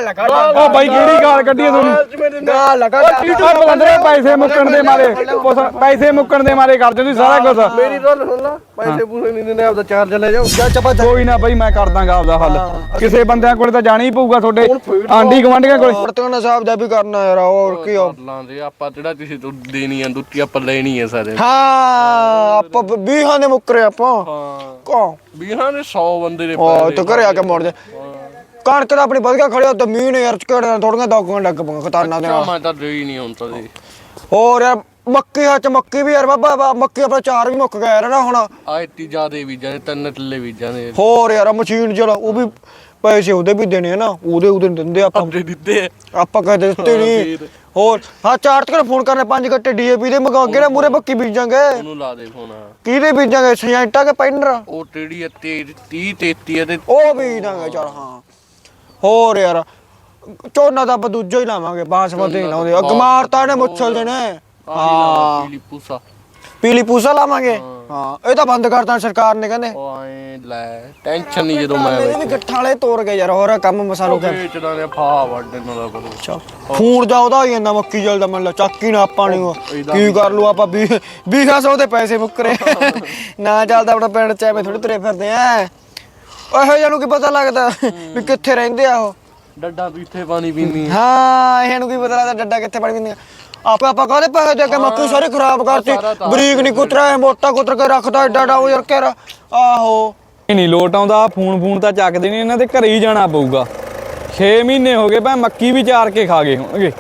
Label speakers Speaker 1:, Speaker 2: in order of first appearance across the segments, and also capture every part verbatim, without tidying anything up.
Speaker 1: ਗਾਲ ਲਗਾ
Speaker 2: ਉਹ ਬਾਈ ਕਿਹੜੀ ਗਾਲ ਕੱਢੀ ਤੁਹਾਨੂੰ
Speaker 1: ਗਾਲ ਲਗਾ
Speaker 2: ਉਹ ਬੰਦੇ ਪੈਸੇ ਮੁੱਕਣ ਦੇ ਮਾਰੇ ਪੈਸੇ ਮੁੱਕਣ ਦੇ ਮਾਰੇ ਕਰਦੇ ਤੁਸੀਂ ਸਾਰਾ ਕੁਝ
Speaker 1: ਮੇਰੀ ਗੱਲ ਸੁਣ ਲਾ ਪੈਸੇ ਪੂਸੇ ਨਹੀਂ ਦਿੰਦੇ ਆਪਦਾ ਚਾਰਜ ਲੈ ਜਾਓ ਜਾ ਚੱਪਾ
Speaker 2: ਕੋਈ ਨਾ ਬਾਈ ਮੈਂ ਕਰ ਦਾਂਗਾ ਆਪਦਾ ਹੱਲ ਕਿਸੇ ਬੰਦਿਆਂ ਕੋਲੇ ਤਾਂ ਜਾਣਾ ਹੀ ਪਊਗਾ ਤੁਹਾਡੇ ਆਂਢੀ ਗੁਆਂਢੀਆਂ ਕੋਲੇ
Speaker 1: ਵਰਤੋਂ ਹਿਸਾਬ ਦਾ ਵੀ ਕਰਨਾ ਯਾਰ ਹੋਰ ਕੀ ਹੋ
Speaker 3: ਲਾਂਦੇ ਆਪਾਂ ਜਿਹੜਾ ਕਿਸੇ ਤੋਂ ਦੇਣੀ ਆ ਦੁੱਤੀ ਆਪਾਂ ਲੈਣੀ ਆ ਸਾਰੇ
Speaker 1: ਹਾਂ ਆਪਾਂ ਵੀਹਾਂ ਦੇ ਮੁੱਕਰੇ ਆਪਾਂ
Speaker 3: ਹਾਂ
Speaker 1: ਕੋ
Speaker 3: ਵੀਹਾਂ ਦੇ ਸੌ ਬੰਦੇ ਦੇ
Speaker 1: ਉਹ ਤੇ ਘਰੇ ਆ ਕੇ ਮੁੜ ਜਾ ਕਣਕ ਤਾਂ ਆਪਣੀ ਵਧੀਆ ਖੜਿਆ ਤੇ ਮੀਂਹ ਨੇ ਯਾਰ ਝਕੜਾਂ ਥੋੜੀਆਂ ਦੋਗਾਂ ਲੱਗ ਪਈਆਂ ਖਤਾਨਾਂ ਦੇ ਨਾਲ
Speaker 3: ਮੈਂ ਤਾਂ ਦੇ ਹੀ ਨਹੀਂ ਹੁਣ ਤਾਂ ਦੇ
Speaker 1: ਹੋਰ ਯਾਰ ਮੱਕੀ ਹੱਥ ਮੱਕੀ ਵੀ ਯਾਰ ਬਾਬਾ ਮੱਕੀ ਆਪਣਾ ਚਾਰ ਵੀ ਮੁੱਕ ਗਿਆ ਯਾਰ ਨਾ ਹੁਣ
Speaker 3: ਆਇਤੀ ਜਿਆਦੇ ਬੀਜਾਂ ਦੇ ਤਿੰਨ ਟੱਲੇ ਬੀਜਾਂ ਦੇ
Speaker 1: ਹੋਰ ਯਾਰ ਮਸ਼ੀਨ ਜਿਹੜਾ ਉਹ ਵੀ ਪੈਸੇ ਉਹਦੇ ਵੀ ਦੇਣੇ ਆ ਨਾ ਉਹਦੇ ਉਹਦੇ ਦਿੰਦੇ ਆਪਾਂ
Speaker 3: ਦੇ ਦਿੱਤੇ
Speaker 1: ਆਪਾਂ ਕਦੇ ਦਿੱਤੇ ਨਹੀਂ ਹੋਰ ਹਾਂ ਚਾਰ ਤੱਕ ਫੋਨ ਕਰਨੇ ਪੰਜ ਘੱਟੇ ਡੀਏਪੀ ਦੇ ਮਗਾ ਕੇ ਨਾ ਮੂਰੇ ਬੱਕੀ ਬੀਜਾਂਗੇ
Speaker 3: ਉਹਨੂੰ ਲਾ ਦੇ ਫੋਨ
Speaker 1: ਕਿਹਦੇ ਬੀਜਾਂਗੇ ਸੈਂਟਾ ਕੇ ਪੈਂਡਰ
Speaker 3: ਉਹ ਟੇੜੀ ਤੀਹ ਤੇਤੀ ਤੇ
Speaker 1: ਉਹ ਬੀਜਾਂਗੇ ਚਲ ਹਾਂ ਹੋਰ ਯਾਰ ਝੋਨਾ ਤਾਂ ਆਪਾਂ ਦੂਜਾ ਹੀ ਲਾਵਾਂਗੇ ਬਾਸਮਤੀ ਲਾਉਂਦੇ ਗਮਾਰ ਤਾਂ ਨੇ ਮੁੱਛਲ ਦੇ ਨੇ ਹਾਂ
Speaker 3: ਪੀਲੀ ਪੂਸਾ
Speaker 1: ਪੀਲੀ ਪੂਸਾ ਲਾਵਾਂਗੇ ਹਾਂ ਇਹ ਤਾਂ ਬੰਦ ਕਰਤਾ ਸਰਕਾਰ ਨੇ ਕਹਿੰਦੇ
Speaker 3: ਉਹ ਐ ਲੈ ਟੈਨਸ਼ਨ ਨਹੀਂ ਜਦੋਂ ਮੈਂ
Speaker 1: ਇਹ ਵੀ ਗੱਠਾਂ ਵਾਲੇ ਤੋੜ ਗਏ ਯਾਰ ਹੋਰ ਕੰਮ ਮਸਾਲੋ ਕੇ
Speaker 3: ਵੇਚਦਾ ਨੇ ਫਾ ਵੱਢਣ ਵਾਲਾ ਕਰੋ
Speaker 1: ਫੂਨ ਜਾ ਉਹਦਾ ਹੀ ਜਾਂਦਾ ਮੱਕੀ ਜਲਦਾ ਮੰਨ ਲਾ ਚੱਕੀ ਨਾ ਆਪਾਂ ਨੂੰ ਕੀ ਕਰ ਲੂ ਆਪਾਂ ਵੀਹ ਵੀਹ ਸੌ ਦੇ ਪੈਸੇ ਮੁੱਕਰੇ ਨਾ ਚੱਲਦਾ ਆਪਣਾ ਪਿੰਡ ਚ ਐਵੇਂ ਥੋੜੀ ਤੁਰੇ ਫਿਰਦੇ ਆ ਇਹੋ ਜਿਹਾ ਨੂੰ ਕੀ ਪਤਾ ਲੱਗਦਾ ਵੀ ਕਿੱਥੇ ਰਹਿੰਦੇ ਆ ਉਹ
Speaker 3: ਡੱਡਾ ਤੂੰ ਇੱਥੇ ਪਾਣੀ ਪੀਂਦੀ
Speaker 1: ਹਾਂ ਇਹਨੂੰ ਕੀ ਪਤਾ ਲੱਗਦਾ ਡੱਡਾ ਕਿੱਥੇ ਪੜ ਪੀਂਦੇ ਆਪੇ ਆਪਾਂ ਕਾਹਦੇ ਪੈਸੇ ਦੇ ਕੇ ਮੱਕੀ ਸਾਰੀ ਖਰਾਬ ਕਰਤੀ ਬਰੀਕ ਨਹੀਂ ਕੁਤਰਾ ਮੋਟਾ ਕੁਤਰ ਕੇ ਰੱਖਦਾ ਏਡਾ ਡਾ ਉਹ ਯਾਰ ਕਹਿ ਆਹੋ
Speaker 2: ਨਹੀਂ ਲੋਟ ਆਉਂਦਾ ਫੋਨ ਫੋਨ ਤਾਂ ਚੱਕਦੇ ਨਹੀਂ ਇਹਨਾਂ ਦੇ ਘਰੇ ਹੀ ਜਾਣਾ ਪਊਗਾ ਛੇ ਮਹੀਨੇ ਹੋ ਗਏ ਭੈ ਮੱਕੀ ਵੀ ਚਾਰ ਕੇ ਖਾ ਗਏ ਹੋਣਗੇ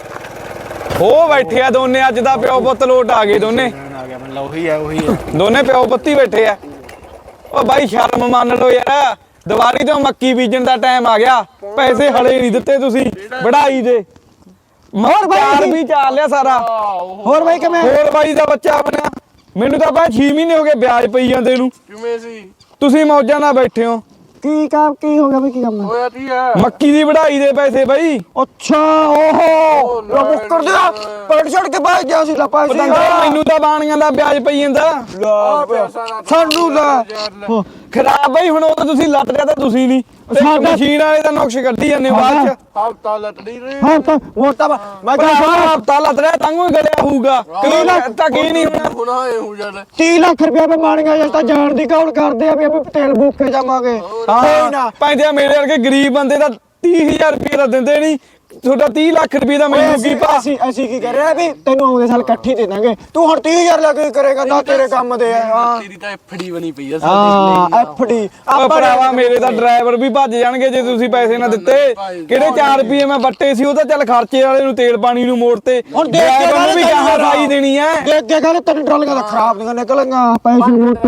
Speaker 2: ਉਹ ਬੈਠੇ ਆ ਦੋਨੇ ਅੱਜ ਦਾ ਪਿਓ ਪੁੱਤ ਲੋਟ ਆ ਗਏ ਦੋਨੇ
Speaker 1: ਆ ਗਿਆ ਮਤਲਬ ਉਹੀ ਆ ਉਹੀ ਆ
Speaker 2: ਦੋਨੇ ਪਿਓ ਪੁੱਤੀ ਬੈਠੇ ਆ ਉਹ ਬਾਈ ਸ਼ਰਮ ਮੰਨ ਲਓ ਯਾਰ ਦੀਵਾਲੀ ਤੋਂ ਮੱਕੀ ਬੀਜਣ ਦਾ ਟਾਈਮ ਆ ਗਿਆ ਪੈਸੇ ਹਲੇ ਨਹੀਂ ਦਿੱਤੇ ਤੁਸੀਂ ਵਢਾਈ ਦੇ ਹੋਰ ਬਾਈ ਵੀ ਚਾਲ ਲਿਆ ਸਾਰਾ
Speaker 1: ਹੋਰ ਬਾਈ ਕਿਵੇਂ
Speaker 2: ਹੋਰ ਬਾਈ ਦਾ ਬੱਚਾ ਬਣਿਆ ਮੈਨੂੰ ਤਾਂ ਬਾਈ ਛੇ ਮਹੀਨੇ ਹੋ ਗਏ ਵਿਆਜ ਪਈ ਜਾਂਦੇ ਨੂੰ
Speaker 3: ਕਿਵੇਂ ਸੀ
Speaker 2: ਤੁਸੀਂ ਮੌਜਾਂ ਨਾਲ ਬੈਠੇ ਹੋ
Speaker 1: ਕੀ ਕੰਮ ਕੀ ਹੋ ਗਿਆ ਬਈ ਕੀ ਕੰਮ
Speaker 3: ਹੋਇਆ ਕੀ ਆ
Speaker 2: ਮੱਕੀ ਦੀ ਵਢਾਈ ਦੇ ਪੈਸੇ ਬਾਈ
Speaker 1: ਅੱਛਾ ਓਹੋ ਲੋ ਮੁੱਕਰ ਦਿਆ ਪੜ ਛੜ ਕੇ ਬਾਹਰ ਜਾ ਸੀ ਲਪਾ ਸੀ
Speaker 2: ਮੈਨੂੰ ਤਾਂ ਬਾਣੀਆਂ ਦਾ ਵਿਆਜ ਪਈ ਜਾਂਦਾ
Speaker 1: ਸਾਨੂੰ ਲੈ
Speaker 2: ਖਰਾਬ ਬਾਈ ਹੁਣ ਉਹ ਤਾਂ ਤੁਸੀਂ ਲੱਤ ਲਿਆ ਤਾਂ ਤੁਸੀਂ ਨਹੀਂ ਸਾਡਾ ਮਸ਼ੀਨ ਵਾਲੇ ਦਾ ਨੁਕਸ਼ ਕੱਢੀ ਜਾਂਦੇ ਬਾਅਦ ਚ
Speaker 3: ਹਫਤਾ ਲੱਟੜੀ ਰੇ
Speaker 1: ਹਾਂ ਤਾਂ ਉਹ ਤਾਂ ਮੈਂ
Speaker 2: ਕਹਿੰਦਾ ਹਫਤਾ ਲੱਤ ਲਿਆ ਤੰਗੋਂ ਗਲਿਆ ਹੋਊਗਾ ਕਈ ਲੱਖ ਤਾਂ ਕੀ ਨਹੀਂ ਹੋਣਾ
Speaker 3: ਹੁਣ ਆਏ ਹੋ ਜਾਣਾ
Speaker 1: ਤੀਹ ਲੱਖ ਰੁਪਇਆ ਪੇ ਮਾਣੀਆਂ ਜਿਸ ਤਾਂ ਜਾਣ ਦੀ ਕੌਲ ਕਰਦੇ ਆ ਵੀ ਆਪਾਂ ਤੇਲ ਬੂਕੇ ਜਾਵਾਂਗੇ ਕੋਈ ਨਾ
Speaker 2: ਪੈਂਦੇ ਮੇਰੇ ਵਰਗੇ ਗਰੀਬ ਬੰਦੇ ਦਾ ਤੀਹ ਹਜ਼ਾਰ ਰੁਪਏ ਦਾ ਦਿੰਦੇ ਨਹੀਂ ਤੁਹਾਡਾ ਤੀਹ ਲੱਖ ਰੁਪਏ ਦਾ ਮੈਨੂੰ ਕੀ ਪਾ
Speaker 1: ਅਸੀਂ ਅਸੀਂ ਕੀ ਕਰ ਰਹੇ ਆ ਵੀ ਤੈਨੂੰ ਆਉਂਦੇ ਸਾਲ ਇਕੱਠੀ ਦੇ ਦਾਂਗੇ ਤੂੰ ਹੁਣ ਤੀਹ ਹਜ਼ਾਰ ਲੱਗ ਕੇ ਕਰੇਗਾ ਨਾ ਤੇਰੇ ਕੰਮ ਦੇ ਆ ਹਾਂ
Speaker 3: ਤੇਰੀ ਤਾਂ ਐਫਡੀ ਬਣੀ ਪਈ ਆ
Speaker 1: ਹਾਂ ਐਫਡੀ
Speaker 2: ਆਪਾਂ ਭਰਾਵਾ ਮੇਰੇ ਦਾ ਡਰਾਈਵਰ ਵੀ ਭੱਜ ਜਾਣਗੇ ਜੇ ਤੁਸੀਂ ਪੈਸੇ ਨਾ ਦਿੱਤੇ ਕਿਹੜੇ ਚਾਰ ਰੁਪਏ ਮੈਂ ਵੱਟੇ ਸੀ ਉਹ ਤਾਂ ਚੱਲ ਖਰਚੇ ਵਾਲੇ ਨੂੰ ਤੇਲ ਪਾਣੀ ਨੂੰ ਮੋੜਤੇ
Speaker 1: ਹੁਣ ਦੇਖ ਕੇ
Speaker 2: ਡਰਾਈਵਰ ਨੂੰ ਵੀ ਗਾਹਾਂ ਰਾਈ ਦੇਣੀ ਐ
Speaker 1: ਦੇਖ ਕੇ ਕਹਿੰਦੇ ਤੈਨੂੰ ਟਰਾਲੀਆਂ ਤਾਂ ਖਰਾਬ ਨਹੀਂ ਨਿਕਲਣਗੀਆਂ ਪੈਸੇ ਮੋਟੇ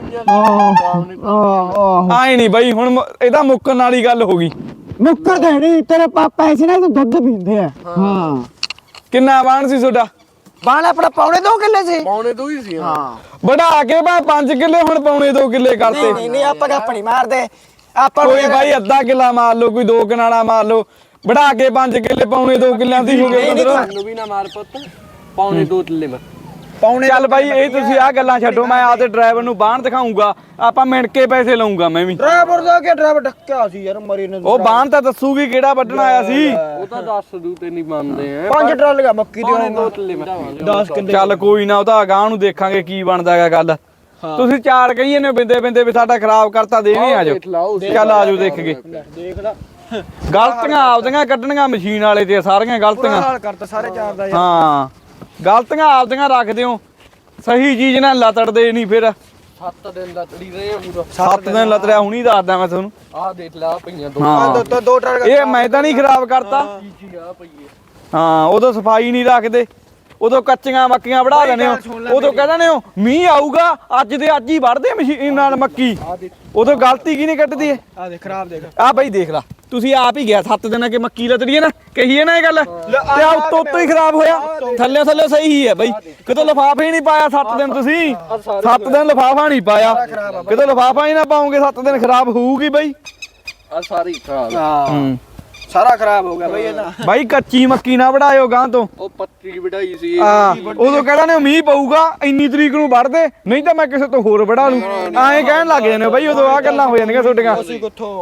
Speaker 1: ਆਹ
Speaker 2: ਆਏ ਨਹੀਂ ਬਾਈ ਹੁਣ ਇਹਦਾ ਮੁੱਕਣ ਵਾਲੀ ਗੱਲ ਹੋ ਗਈ
Speaker 1: ਮੁੱਕਰ ਦੇ ਨਹੀਂ ਤੇਰੇ ਪਾਪਾ ਐਸੇ ਨਾ ਦੁੱਧ ਪੀਂਦੇ ਆ ਹਾਂ
Speaker 2: ਕਿੰਨਾ ਬਾਣ ਸੀ ਤੁਹਾਡਾ
Speaker 1: ਬਾਣ ਆਪਣਾ ਪੌਣੇ ਦੋ ਕਿੱਲੇ ਸੀ
Speaker 3: ਪੌਣੇ ਦੋ ਹੀ ਸੀ
Speaker 1: ਹਾਂ
Speaker 2: ਵਧਾ ਕੇ ਮੈਂ ਪੰਜ ਕਿੱਲੇ ਹੁਣ ਪੌਣੇ ਦੋ ਕਿੱਲੇ ਕਰਤੇ
Speaker 1: ਨਹੀਂ ਨਹੀਂ ਆਪਾਂ ਆਪਣੀ ਮਾਰਦੇ ਆਪਾਂ
Speaker 2: ਕੋਈ ਬਾਈ ਅੱਧਾ ਕਿੱਲਾ ਮਾਰ ਲਓ ਕੋਈ ਦੋ ਕਨਾਲਾ ਮਾਰ ਲਓ ਵਧਾ ਕੇ ਪੰਜ ਕਿੱਲੇ ਪੌਣੇ ਦੋ ਕਿੱਲਿਆਂ ਦੀ ਹੋ ਗਏ
Speaker 3: ਤੁਹਾਨੂੰ ਵੀ ਨਾ ਮਾਰ ਪੁੱਤ ਪੌਣੇ ਦੋ ਕਿੱਲੇ ਮੈਂ
Speaker 2: ਪੌਣੇ ਚੱਲ ਬਾਈ ਇਹ ਤੁਸੀਂ ਆਹ ਗੱਲਾਂ ਛੱਡੋ ਮੈਂ ਆਪਦੇ ਡਰਾਈਵਰ ਨੂੰ ਬਾਹਣ ਦਿਖਾਉਂਗਾ ਆਪਾਂ ਮਿਣ ਕੇ ਪੈਸੇ ਲਵਾਂਗਾ ਮੈਂ ਵੀ
Speaker 1: ਡਰਾਈਵਰ ਦਾ ਕੀ ਡਰਾਈਵਰ ਡੱਕਿਆ ਸੀ ਯਾਰ ਮਰੀ ਨੇ
Speaker 2: ਉਹ ਬਾਹਣ ਤਾਂ ਦੱਸੂਗੀ ਕਿਹੜਾ ਵੱਢਣ ਆਇਆ ਸੀ
Speaker 3: ਉਹ ਤਾਂ ਦੱਸ ਦੂ ਤੇ ਨਹੀਂ ਮੰਨਦੇ ਆ
Speaker 1: ਪੰਜ ਟਰਾਲੀਆਂ ਮੱਕੀ ਦੀ
Speaker 3: ਪੌਣੇ ਦੋ ਕਿੱਲੇ ਮੈਂ
Speaker 1: ਦਸ ਕਿੱਲੇ
Speaker 2: ਚੱਲ ਕੋਈ ਨਾ ਉਹਦਾ ਅਗਾਂਹ ਨੂੰ ਦੇਖਾਂਗੇ ਕੀ ਬਣਦਾ ਹੈਗਾ ਗੱਲ ਤੁਸੀਂ ਚਾਰ ਕਹੀਏ ਨੇ ਬਿੰਦੇ ਬਿੰਦੇ ਵੀ ਸਾਡਾ ਖਰਾਬ ਕਰਤਾ ਦੇਵੇਂ ਆ ਜਾਓ ਚੱਲ ਆ ਜਾਓ ਦੇਖ ਕੇ
Speaker 1: ਦੇਖ ਲੈ
Speaker 2: ਗਲਤੀਆਂ ਆਪਦੀਆਂ ਕੱਢਣੀਆਂ ਮਸ਼ੀਨ ਵਾਲੇ ਤੇ ਸਾਰੀਆਂ ਗਲਤੀਆਂ
Speaker 1: ਹਾਲ ਕਰਤਾ ਸਾਰੇ ਚਾਰ ਦਾ ਯਾਰ
Speaker 2: ਹਾਂ ਗਲਤੀਆਂ ਆਪਦੀਆਂ ਰੱਖਦੇ ਹੋ ਸਹੀ ਚੀਜ਼ ਨਾਲ ਲਤੜਦੇ ਨਹੀਂ ਫਿਰ
Speaker 3: ਸੱਤ ਦਿਨ ਲੱਟੜੀ ਰਹੇ ਆ ਪੂਰਾ
Speaker 2: ਸੱਤ ਦਿਨ ਲਤੜਿਆ ਹੁਣੀ ਦੱਸਦਾ ਮੈਂ ਤੁਹਾਨੂੰ
Speaker 3: ਆਹ ਦੇਖ ਲਾ ਪਈਆਂ ਦੋ
Speaker 2: ਹਾਂ
Speaker 1: ਦੋ ਦੋ ਟਰਾਲੀਆਂ
Speaker 2: ਇਹ ਮੈਂ ਤਾਂ ਨਹੀਂ ਖਰਾਬ ਕਰਤਾ
Speaker 3: ਕੀ ਆ ਪਈਏ
Speaker 2: ਹਾਂ ਉਦੋਂ ਸਫਾਈ ਨਹੀਂ ਰੱਖਦੇ ਉਦੋਂ ਕੱਚੀਆਂ ਮੱਕੀਆਂ ਵੜਾ ਲੈਣੇ ਹੋ ਉਦੋਂ ਕਹਿ ਦਿੰਦੇ ਹੋ ਮੀਂਹ ਆਊਗਾ ਅੱਜ ਦੇ ਅੱਜ ਹੀ ਵੜਦੇ ਮਸ਼ੀਨ ਨਾਲ ਮੱਕੀ ਉਦੋਂ ਗਲਤੀ ਕੀ ਨਹੀਂ ਕੱਢਦੀ ਏ
Speaker 1: ਆ ਦੇਖ ਖਰਾਬ ਦੇਖ
Speaker 2: ਆ ਬਾਈ ਦੇਖ ਲਾ ਤੁਸੀਂ ਆਪ ਹੀ ਗਿਆ ਸੱਤ ਦਿਨਾਂ ਕਿ ਮੱਕੀ ਲਤੜੀ ਹੈ ਨਾ ਕਹੀਏ ਨਾ ਇਹ ਗੱਲ ਤੇ ਆ ਉੱਤੋਂ ਉੱਤੋਂ ਹੀ ਖਰਾਬ ਹੋਇਆ ਥੱਲੇ ਥੱਲੇ ਸਹੀ ਹੀ ਹੈ ਬਾਈ ਕਿਤੋਂ ਲਫਾਫਾ ਹੀ ਨਹੀਂ ਪਾਇਆ ਸੱਤ ਦਿਨ ਤੁਸੀਂ ਸੱਤ ਦਿਨ ਲਫਾਫਾ ਨਹੀਂ ਪਾਇਆ ਕਿਤੋਂ ਲਫਾਫਾ ਹੀ ਨਾ ਪਾਉਂਗੇ ਸੱਤ ਦਿਨ ਖਰਾਬ ਹੋਊਗੀ ਬਾਈ
Speaker 3: ਆ ਸਾਰੀ ਖਰਾਬ
Speaker 2: ਹੂੰ
Speaker 1: ਸਾਰਾ ਖਰਾਬ ਹੋ ਗਿਆ ਬਈ ਇਹਦਾ
Speaker 2: ਬਾਈ ਕੱਚੀ ਮੱਕੀ ਨਾ ਵੜਾਇਓ ਗਾਂ ਤੋਂ
Speaker 3: ਉਹ ਪੱਤੀ ਵਢਾਈ ਸੀ
Speaker 2: ਹਾਂ ਉਦੋਂ ਕਹਿੰਦਾ ਨੇ ਮੀਂਹ ਪਊਗਾ ਇੰਨੀ ਤਰੀਕ ਨੂੰ ਵੜਦੇ ਨਹੀਂ ਤਾਂ ਮੈਂ ਕਿਸੇ ਤੋਂ ਹੋਰ ਵੜਾ ਲੂੰ ਐਂ ਕਹਿਣ ਲੱਗ ਜਾਂਦੇ ਬਾਈ ਉਦੋਂ ਆ ਗੱਲਾਂ ਹੋ ਜਾਂਦੀਆਂ ਤੁਹਾਡੀਆਂ
Speaker 1: ਅਸੀਂ ਕਿੱਥੋਂ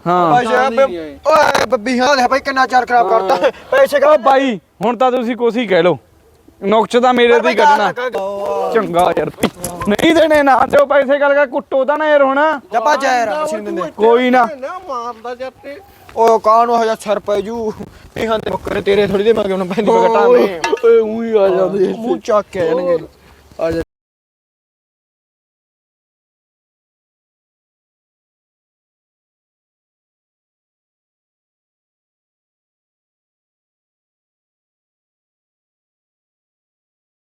Speaker 2: ਹਾਂ
Speaker 1: ਪੈਸੇ ਓਏ ਬੱਬੀ ਹਾਂ ਦੇ ਭਾਈ ਕਿੰਨਾ ਚਾਰ ਖਰਾਬ ਕਰਤਾ ਪੈਸੇ
Speaker 2: ਓ ਬਾਈ ਹੁਣ ਤਾਂ ਤੁਸੀਂ ਕੁਛ ਹੀ ਕਹਿ ਲੋ ਨੁਕਸ ਤਾਂ ਮੇਰੇ ਤੇ ਹੀ ਕੱਢਣਾ ਚੰਗਾ ਯਾਰ ਨਹੀਂ ਦੇਣੇ ਨਾ ਦਿਓ ਪੈਸੇ ਗੱਲ ਕਰ ਕੁੱਟੋ ਤਾਂ ਨਾ ਯਾਰ ਹੁਣ
Speaker 1: ਜਪਾ ਜਾ ਯਾਰ ਅਸੀਂ ਨੀ ਦਿੰਦੇ
Speaker 2: ਕੋਈ ਨਾ
Speaker 3: ਮਾਰਦਾ ਜੱਟੇ
Speaker 1: ਓਏ ਕਾਹ ਨੂੰ ਹਜ਼ਾਰ ਛਰ ਪੈ ਜੂ ਇਹ ਹਾਂ ਤੇ ਬੱਕਰੇ ਤੇਰੇ ਥੋੜੀ ਦੇ ਮਗਰ ਨੂੰ ਪੈਂਦੀ ਬਗਟਾਵੇਂ
Speaker 3: ਓਏ ਉਹੀ ਆ ਜਾਂਦੇ
Speaker 1: ਮੂੰਹ ਚੱਕ ਕੇ ਆ ਜਾਣਗੇ
Speaker 3: ਆ ਜਾ